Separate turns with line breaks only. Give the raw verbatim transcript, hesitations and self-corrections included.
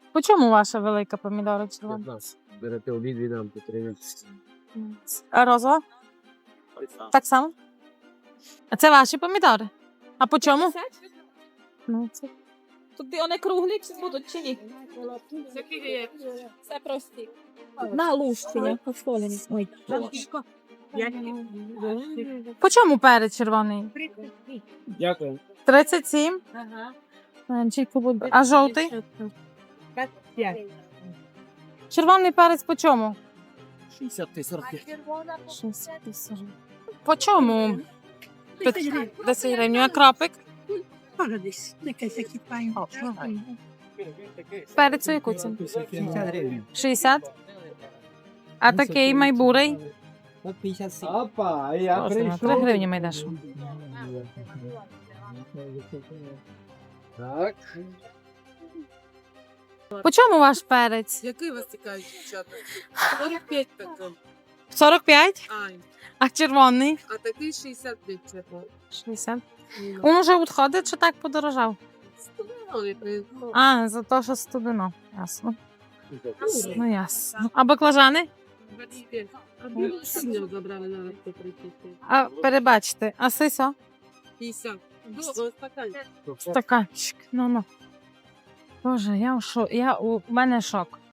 По чому ваша велика помідора червона?
п'ятнадцять. Берете обидві нам по тринадцять.
А розова? Так само? А це ваші помідори? А по чому? Ну, це...
Тут вони круглі чи будуть, чи ні? Це прості. На лущення, посолені. Ой,
По чому перець червоний?
Дякую.
тридцять сім. Меншенько буде. А жовтий? Червоний перець по чому?
шістдесят та сорок п'ять.
По чому? десять гривень. А крапик? Перець у яку ціну? шістдесят. А такий майбурий?
Опа, я
Боже, на три гривні майдеш.
Так.
По чому ваш перець?
Який вас цікавить, дівчата? сорок п'ять такий.
сорок п'ять?
Ай,
А червоний?
а такий шістдесят п'ять чесно.
шістдесят. Він вже відходить чи так подорожав?
Ну,
А, за те, що студено. Ясно. Ну, ясно. А баклажани?
Синього забрали на сто тридцять.
А, перебачте. А сисо?
п'ятдесят. Добре, стакан.
Стаканчик. Ну-ну. Боже, я в шо... я... у мене шок.